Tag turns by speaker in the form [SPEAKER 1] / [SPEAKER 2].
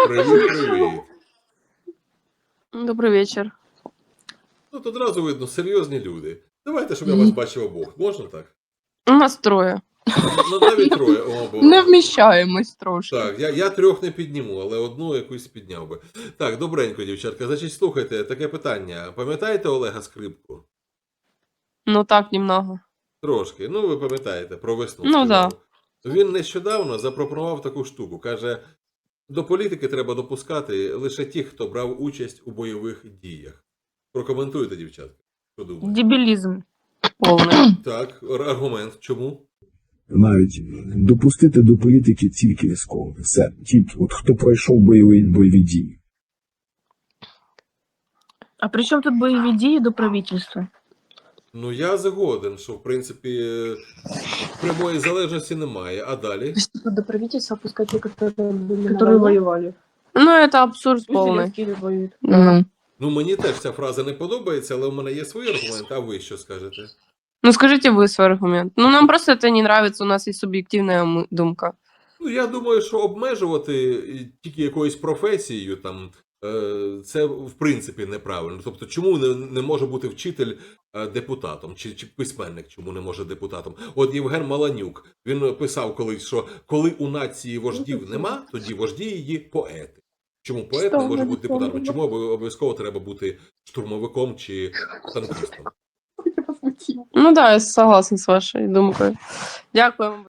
[SPEAKER 1] Привіт.
[SPEAKER 2] Добрий вечір.
[SPEAKER 1] Тут одразу видно, серйозні люди. Давайте, щоб я вас бачив обох. Можна так?
[SPEAKER 2] У нас троє.
[SPEAKER 1] Ну, навіть троє. О, бо...
[SPEAKER 2] Не вміщаємось трошки.
[SPEAKER 1] Так, я трьох не підніму, але одну якусь підняв би. Так, добренько, дівчатка. Значить, слухайте, таке питання. Пам'ятаєте Олега Скрипку?
[SPEAKER 2] Ну так, немного.
[SPEAKER 1] Трошки. Ну, ви пам'ятаєте, про весну.
[SPEAKER 2] Ну,
[SPEAKER 1] сказав.
[SPEAKER 2] да.
[SPEAKER 1] Він нещодавно запропонував таку штуку. Каже, до політики треба допускати лише тих, хто брав участь у бойових діях. Прокоментуйте, дівчатка. Що думаєте?
[SPEAKER 2] Дебілізм повний.
[SPEAKER 1] Так, аргумент. Чому?
[SPEAKER 3] Навіть допустити до політики тільки військових. Все. Тільки от хто пройшов бойові дії.
[SPEAKER 4] А при чому тут бойові дії до правительства?
[SPEAKER 1] Ну, я згоден, що, в принципі, прямої залежності немає. А далі?
[SPEAKER 5] До правительства пускать те,
[SPEAKER 4] Которые воювали.
[SPEAKER 2] Ну, это абсурд
[SPEAKER 4] Пусть
[SPEAKER 2] повний.
[SPEAKER 4] Зеленский воюет.
[SPEAKER 1] Ну, мені теж ця фраза не подобається, але у мене є свій аргумент, а ви що скажете?
[SPEAKER 2] Ну, скажите вы свой аргумент. Ну, нам просто это не нравится, у нас есть субъективная думка.
[SPEAKER 1] Ну, я думаю, що обмежувати тільки якоюсь професією, там, це в принципі неправильно. Тобто, чому не може бути вчитель депутатом, чи письменник чому не може депутатом? От Євген Маланюк, він писав колись, що коли у нації вождів нема, тоді вожді її поети. Чому поет не може бути депутатом? Чому обов'язково треба бути штурмовиком чи танкістом?
[SPEAKER 2] Ну да, я согласна з вашою думкою. Дякую вам.